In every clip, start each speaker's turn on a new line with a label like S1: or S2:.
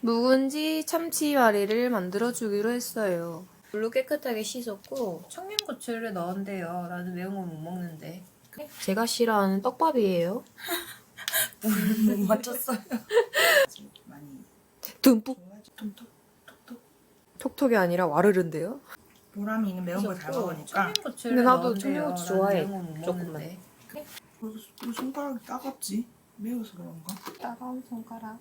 S1: 묵은지 참치말이를 만들어주기로 했어요. 물로 깨끗하게 씻었고 청양고추를 넣은대요. 나는 매운 거 못 먹는데. 제가 싫어하는 떡밥이에요.
S2: 못 맞췄어요. 많이
S1: 듬뿍.
S2: 톡톡 톡톡.
S1: 톡톡이 아니라 와르른데요.
S2: 보람이 있는 매운 걸 잘 먹으니까.
S1: 근데 나도 청양고추 좋아해. 조금만.
S2: 왜 손가락이 따갑지? 매워서 그런가?
S1: 따가운 손가락.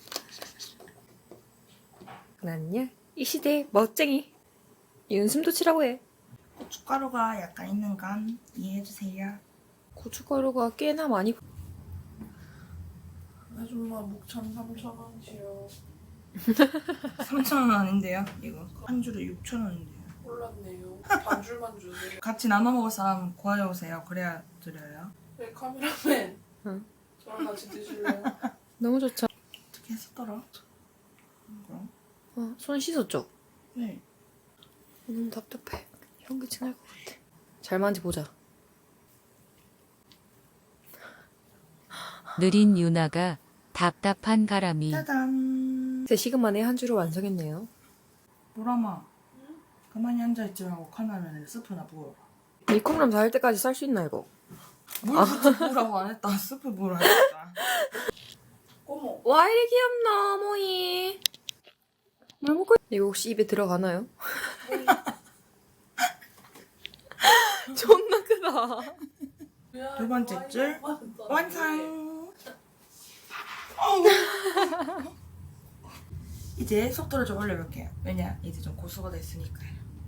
S1: 난요 이 시대의 멋쟁이 윤숨도 치라고 해.
S2: 고춧가루가 약간 있는 건 이해해주세요.
S1: 고춧가루가 꽤나 많이.
S3: 아줌마 목참 3,000원이요.
S2: 3,000원 아닌데요? 이거 한 줄에 6,000원인데요.
S3: 몰랐네요. 반줄만 주세요.
S2: 같이 나눠 먹을 사람 구하여오세요. 그래야 드려요.
S3: 네, 카메라맨.
S1: 응.
S3: 저랑 같이 드실래요?
S1: 너무 좋죠.
S2: 어떻게 했었더라? 그럼?
S1: 손 씻었죠?
S2: 네.
S1: 너무 답답해. 현기증 날 것 같아. 잘 만져보자.
S4: 느린 유나가 답답한 가람이
S2: 짜잔.
S1: 3시간 만에 한 줄을 완성했네요.
S2: 보람아. 가만히 앉아있지 말고 컵라면에 스프나 부어라.
S1: 이 컵라면 다 할 때까지 쌀 수 있나 이거?
S2: 물 부치 부으라고 안 했다. 스프 부으라 했다.
S3: 어머.
S1: 와 이리 귀엽나 모이. 뭘 먹고 이거 혹시 입에 들어가나요? 존나 크다.
S2: 두 번째 줄 완성. 이제 속도를 좀 올려볼게요. 왜냐 이제 좀 고수가 됐으니까요.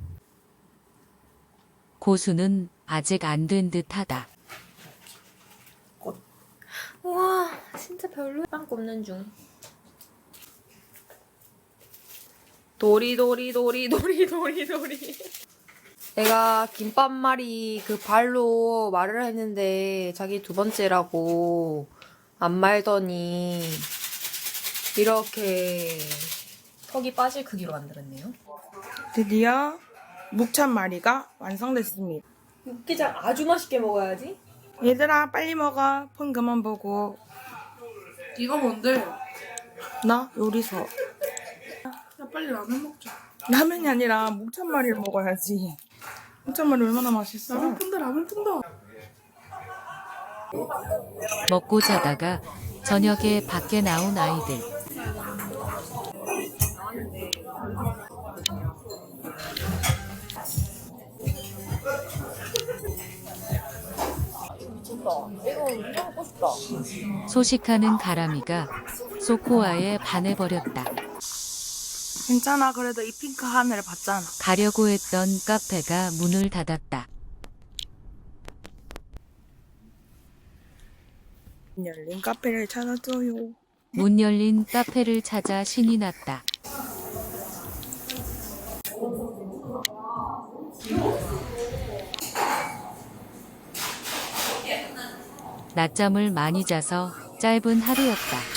S4: 고수는 아직 안 된 듯하다.
S1: 우와 진짜 별로. 빵 굽는 중. 도리도리. 내가 김밥말이 그 발로 말을 했는데 자기 2번째라고 안 말더니 이렇게 턱이 빠질 크기로 만들었네요.
S2: 드디어 묵참마리가 완성됐습니다.
S1: 육개장 아주 맛있게 먹어야지.
S2: 얘들아 빨리 먹어. 폰 그만 보고.
S3: 이거 뭔데?
S2: 나 요리서.
S3: 야, 빨리 라면 먹자.
S2: 라면이 아니라 묵참마리를 먹어야지. 묵참마리 얼마나 맛있어.
S3: 라면 푼다.
S4: 먹고 자다가 저녁에 밖에 나온 아이들. 소식하는 가람이가 소코아에 반해버렸다.
S2: 괜찮아. 그래도 이 핑크 하늘을 봤잖아.
S4: 가려고 했던 카페가 문을 닫았다.
S2: 열린 카페를 찾아줘요.
S4: 문 열린 카페를 찾아 신이 났다. 낮잠을 많이 자서 짧은 하루였다.